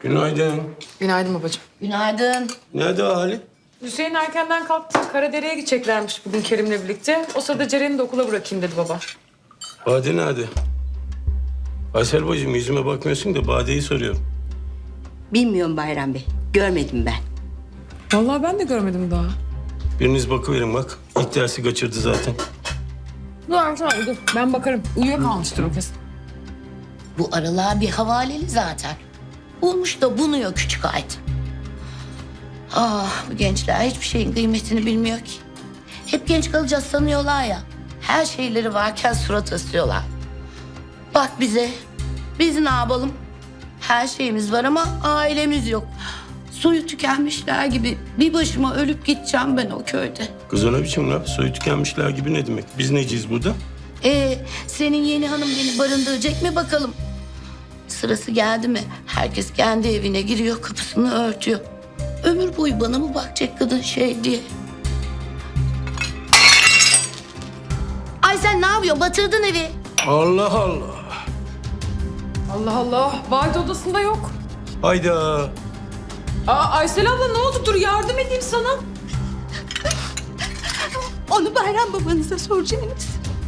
Günaydın. Günaydın babacığım. Günaydın. Nerede ahali? Hüseyin erkenden kalktı. Karadere'ye gideceklermiş bugün Kerim'le birlikte. O sırada Ceren'i de okula bırakayım dedi baba. Bade nerede? Aysel bacım yüzüme bakmıyorsun da Bade'yi soruyorum. Bilmiyorum Bayram Bey. Görmedim ben. Vallahi ben de görmedim daha. Biriniz bakıverin bak. İlk dersi kaçırdı zaten. Dur Ertan dur. Ben bakarım. Uyuyakalmıştır o kesin. Bu aralar bir havaleli zaten. Bulmuş da bunuyor küçük ait. Ah bu gençler hiçbir şeyin kıymetini bilmiyor ki. Hep genç kalacağız sanıyorlar ya. Her şeyleri varken surat asıyorlar. Bak bize. Biz ne yapalım? Her şeyimiz var ama ailemiz yok. Suyu tükenmişler gibi bir başıma ölüp gideceğim ben o köyde. Kız ona biçim laf. Soyu tükenmişler gibi ne demek? Biz neciyiz burada? Senin yeni hanım beni barındıracak mı bakalım? Sırası geldi mi? Herkes kendi evine giriyor, kapısını örtüyor. Ömür boyu bana mı bakacak kadın şey diye? Ay sen ne yapıyorsun? Batırdın evi. Allah Allah. Allah Allah. Vahit odasında yok. Hayda. Aysel abla ne oldu? Dur yardım edeyim sana. Onu Bayram babanıza soracaksınız.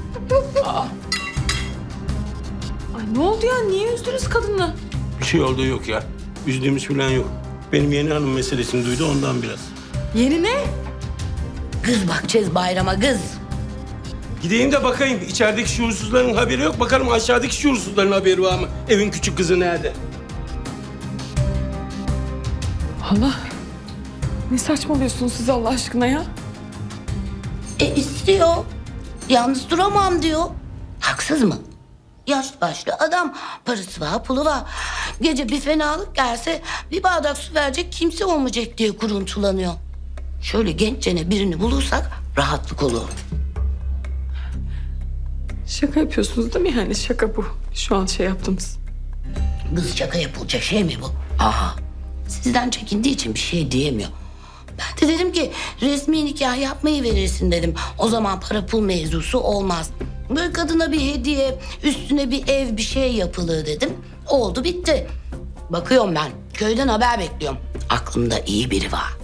Ay ne oldu ya? Niye üzdünüz kadını? Bir şey olduğu yok ya. Üzdüğümüz falan yok. Benim yeni hanım meselesini duydu ondan biraz. Yeni ne? Kız bakacağız Bayram'a kız. Gideyim de bakayım. İçerideki şuursuzların haberi yok. Bakalım aşağıdaki şuursuzların haberi var mı? Evin küçük kızı nerede? Allah. Ne saçmalıyorsunuz siz Allah aşkına ya? İstiyor. Yalnız duramam diyor. Haksız mı? Yaşlı başlı adam. Parası var, pulu var. Gece bir fenalık gelse bir bardak su verecek kimse olmayacak diye kuruntulanıyor. Şöyle genççene birini bulursak rahatlık olur. Şaka yapıyorsunuz değil mi yani? Şaka bu. Şu an şey yaptınız. Kız şaka yapılacak şey mi bu? Aha. Sizden çekindiği için bir şey diyemiyor. Ben de dedim ki resmi nikah yapmayı verirsin dedim. O zaman para pul mevzusu olmaz. Böyle kadına bir hediye, üstüne bir ev bir şey yapılır dedim. Oldu bitti. Bakıyorum ben köyden haber bekliyorum. Aklımda iyi biri var.